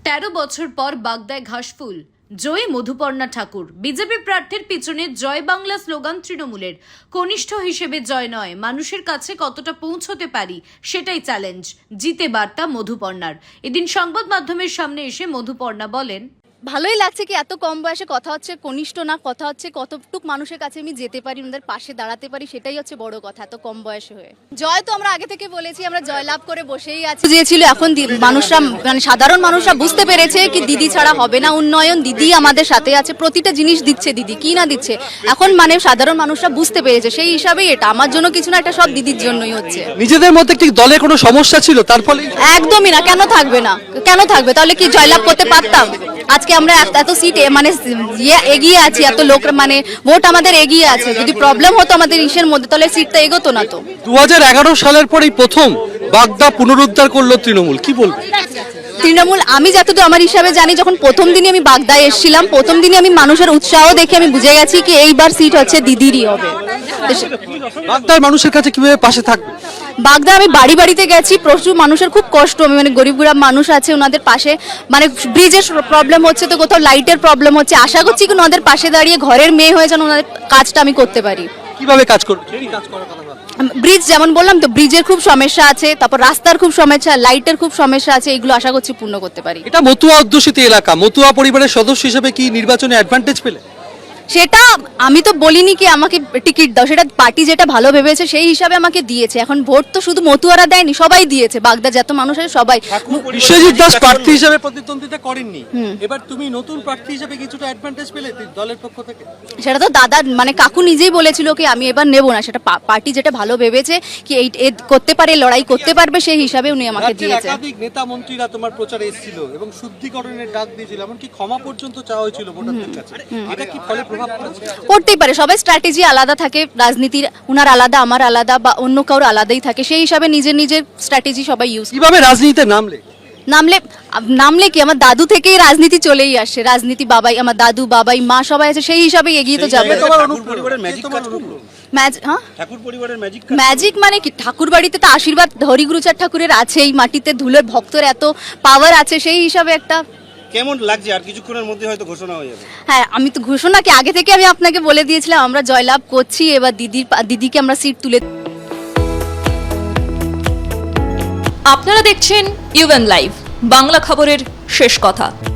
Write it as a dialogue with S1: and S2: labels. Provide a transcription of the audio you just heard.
S1: 13 বছর পর বাগদায় ঘাসফুল জয়ী মধুপর্ণা ঠাকুর। বিজেপি প্রার্থীর পিছনে জয় বাংলা স্লোগান তৃণমূলের। কনিষ্ঠ হিসেবে জয় নয়, মানুষের কাছে কতটা পৌঁছতে পারি সেটাই চ্যালেঞ্জ। জিতে বার্তা মধুপর্ণার। এদিন সংবাদ মাধ্যমের সামনে এসে মধুপর্ণা বলেন,
S2: ভালোই লাগছে কি এত কম বয়সে কথা হচ্ছে, কনিষ্ঠ না কথা হচ্ছে, কতটুক মানুষের কাছে আমি যেতে পারি, ওদের পাশে দাঁড়াতে পারি, সেটাই হচ্ছে বড় কথা এত কম বয়সে হয়ে। জয় তো আমরা আগে থেকে বলেছি, আমরা জয়লাভ করে বসেই আছি। যে ছিল এখন মানুষরা মানে সাধারণ মানুষরা বুঝতে পেরেছে কি দিদি ছাড়া হবে না উন্নয়ন, দিদি আমাদের সাথে আছে, প্রতিটা জিনিস দিচ্ছে দিদি, কি না দিচ্ছে এখন মানে সাধারণ মানুষরা বুঝতে পেরেছে। সেই হিসাবেই এটা আমার জন্য কিছু না, এটা সব দিদির জন্যই হচ্ছে।
S3: নিজেদের মধ্যে কি দলে কোনো সমস্যা ছিল তার ফলে?
S2: একদমই না, কেন থাকবে না, কেন থাকবে? তাহলে কি জয়লাভ করতে পারতাম? আজকে আমরা এত সিট মানে এগিয়ে আছি, এত লোক মানে ভোট আমাদের এগিয়ে আছে। যদি প্রবলেম হতো আমাদের ইসের মধ্যে তাহলে সিটটা এগোতো না। তো
S3: 2011 সালের পরেই প্রথম বাগদা পুনরুদ্ধার করলো তৃণমূল, কি বলবো?
S2: তৃণমূল আমি যতদূর আমার হিসাবে জানি, যখন প্রথম দিনই আমি বাগদায় এসেছিলাম, প্রথম দিনই আমি মানুষের উৎসাহ দেখে আমি বুঝে গেছি কি এইবার সিট হচ্ছে দিদিরই হবে।
S3: বাগদার মানুষের কাছে কিভাবে পাশে থাকবে?
S2: বাগদা আমি বাড়ি বাড়িতে গেছি, প্রচুর মানুষের খুব কষ্ট, আমি মানে গরিব গরিব মানুষ আছে ওনাদের পাশে, মানে ব্রিজের প্রবলেম হচ্ছে তো কোথাও লাইটের প্রবলেম হচ্ছে, আশা করছি কি ওনাদের পাশে দাঁড়িয়ে ঘরের মেয়ে হয়ে যেন ওনাদের কাজটা আমি করতে পারি।
S3: কিভাবে কাজ করবে?
S2: ব্রিজ যেমন বললাম তো, ব্রিজের খুব সমস্যা আছে, তারপর রাস্তার খুব সমস্যা, লাইটের খুব সমস্যা আছে, এগুলো আশা করছি পূর্ণ করতে পারি।
S3: এটা মতুয়া অধ্যুষিত এলাকা, মতুয়া পরিবারের সদস্য হিসেবে কি নির্বাচনে অ্যাডভান্টেজ পেলে?
S2: সেটা আমি তো বলিনি কি আমাকে টিকিট দাও, সেটা পার্টি যেটা ভালো ভেবেছে সেই হিসাবে আমাকে দিয়েছে। এখন ভোট তো শুধু মতুয়ারা দেয়নি, সবাই দিয়েছে, বাগদা যত মানুষ আছে সবাই।
S3: বিশ্বজিৎ দাস প্রার্থী হিসেবে প্রতিদ্বন্দ্বিতা করেননি, এবার তুমি নতুন প্রার্থী হিসেবে কিছুটা অ্যাডভান্টেজ পেলে দলের পক্ষ থেকে?
S2: সেটা তো দাদা মানে কাকু নিজেই বলেছিল কি আমি এবার নেবো না, সেটা পার্টি যেটা ভালো ভেবেছে কি এই করতে পারে, লড়াই করতে পারবে, সেই হিসাবে উনি আমাকে দিয়েছে।
S3: একাধিক নেতা মন্ত্রীরা তোমার প্রচারে এসেছিল এবং শুদ্ধিকরণের ডাক দিয়েছিল, এমনকি ক্ষমা পর্যন্ত চাওয়া হয়েছিল ভোটারদের কাছে। এটা কি ফলে প্রভাব পড়েছে?
S2: করতেই পারে, সবাই স্ট্র্যাটেজি আলাদা থাকে, রাজনীতির উনার আলাদা, আমার আলাদা, বা অন্য কারোর আলাদাই থাকে, সেই হিসাবে নিজের নিজের স্ট্র্যাটেজি সবাই ইউজ।
S3: কিভাবে রাজনীতিতে
S2: নামলে কি আমার দাদু থেকেই রাজনীতি চলেই আসে, রাজনীতি বাবাই, আমার দাদু বাবাই মা সবাই আছে, সেই হিসাবে এগিয়ে তো যাবে। ম্যাজিক মানে কি, ঠাকুর বাড়িতে তো আশীর্বাদ হরিগুরুচার ঠাকুরের আছে, এই মাটিতে ধুলোর ভক্তর এত পাওয়ার আছে, সেই হিসাবে একটা
S4: কেমন লাগছে? আর কিছুক্ষণের মধ্যে হয়তো ঘোষণা হয়ে যাবে।
S2: হ্যাঁ, আমি তো ঘোষণা কি আগে থেকে আমি আপনাকে বলে দিয়েছিলাম, আমরা জয়লাভ করছি, এবার দিদিকে আমরা সিট তুলে।
S5: আপনারা দেখছেন ইউএন লাইভ, বাংলা খবরের শেষ কথা।